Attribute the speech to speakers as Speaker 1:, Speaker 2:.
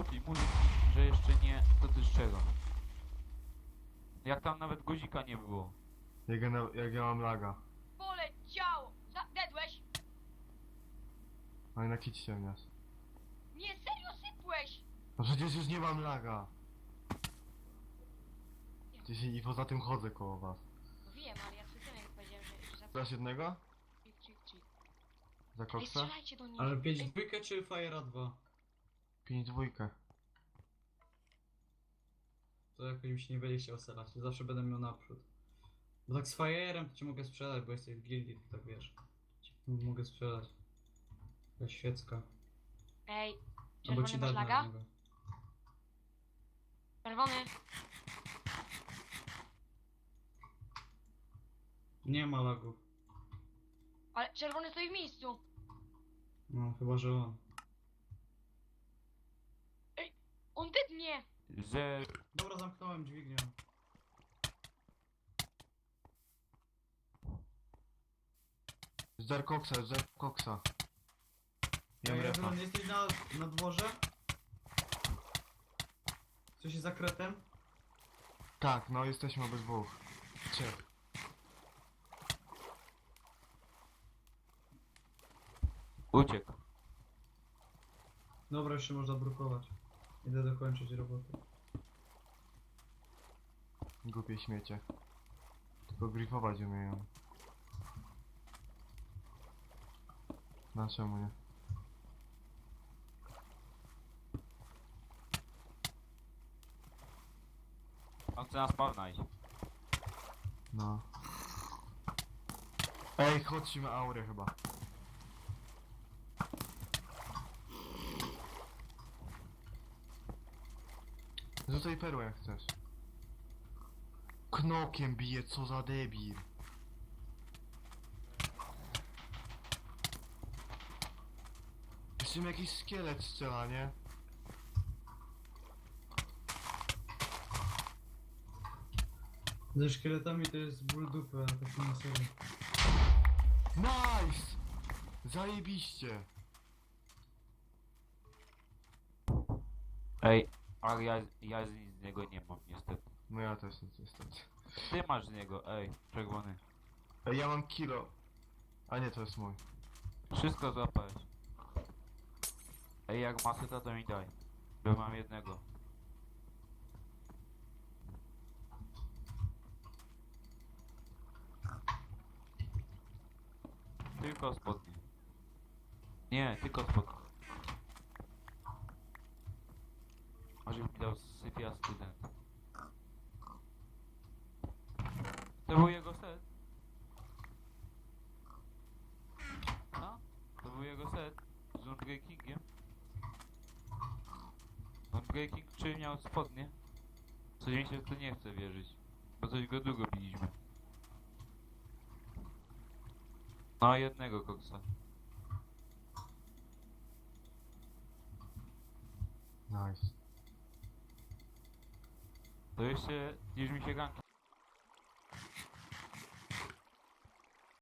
Speaker 1: I mówi mi, że jeszcze nie, to ty z czego? Jak tam nawet guzika nie było.
Speaker 2: Jak ja mam laga.
Speaker 3: Poleciało! Dedłeś?
Speaker 2: No i nakićcie mnie.
Speaker 3: Nie, serio sypłeś!
Speaker 2: No przecież już nie mam laga. I poza tym chodzę koło was.
Speaker 3: No wiem, ale ja przed tym jak powiedziałem, że za...
Speaker 2: Dasz jednego?
Speaker 3: Chick.
Speaker 2: Za
Speaker 3: Ej,
Speaker 2: koksa?
Speaker 3: strzelajcie do nich!
Speaker 4: Ale
Speaker 3: Ej,
Speaker 4: 5 dwójkę czy Fire'a 2?
Speaker 2: 5-2.
Speaker 4: To jakoś mi się nie będzie chciał selać, zawsze będę miał naprzód. Bo tak z Fire'em to ci mogę sprzedać, bo jesteś w gildii, to tak wiesz. Ci mogę sprzedać. Jakaś świecka.
Speaker 3: Ej,
Speaker 4: Albo ci
Speaker 3: czerwony masz
Speaker 4: dać na
Speaker 3: laga?
Speaker 4: niego.
Speaker 3: Czerwony!
Speaker 4: Nie ma lagów.
Speaker 3: Ale czerwony stoi w miejscu!
Speaker 4: No, chyba że on.
Speaker 3: On dednie!
Speaker 1: Że...
Speaker 4: Dobra, zamknąłem dźwignię.
Speaker 2: Zdar koksa. Jem
Speaker 4: Ej,
Speaker 2: refa.
Speaker 4: Ewron, jesteś na dworze? Coś jest za kretem?
Speaker 2: Tak, no jesteśmy obydwu. Trzech.
Speaker 1: Uciekł.
Speaker 4: Dobra, jeszcze można brukować. Idę dokończyć robotę.
Speaker 2: Głupie śmiecie. Tylko grifować umieją. Na czemu nie?
Speaker 1: On chce nas poznać.
Speaker 2: No. Ej, chodźmy aurę chyba. Rzucaj perłę jak chcesz. Knokiem bije, co za debil. Jeszcze mi jakiś szkielet strzela, nie?
Speaker 4: Ze szkieletami to jest ból dupy, a tak nie serio.
Speaker 2: Nice! Zajebiście!
Speaker 1: Ej, ale ja nic z niego nie mam niestety.
Speaker 2: No ja też nic niestety.
Speaker 1: Ty masz z niego, ej, czerwony.
Speaker 2: Ej, ja mam kilo. A nie, to jest mój.
Speaker 1: Wszystko złapałeś. Ej, jak masy to mi daj. Bo mam jednego. Tylko spodnie. Nie, tylko spodnie. Może mi dał sypia student. To był jego set. No? To był jego set. Z Unbreakingiem. Unbreaking czy miał spodnie? Coś mi się w to nie chce wierzyć. Bo coś go długo biliśmy. No jednego koksa.
Speaker 2: Nice.
Speaker 1: To jeszcze już mi się ganki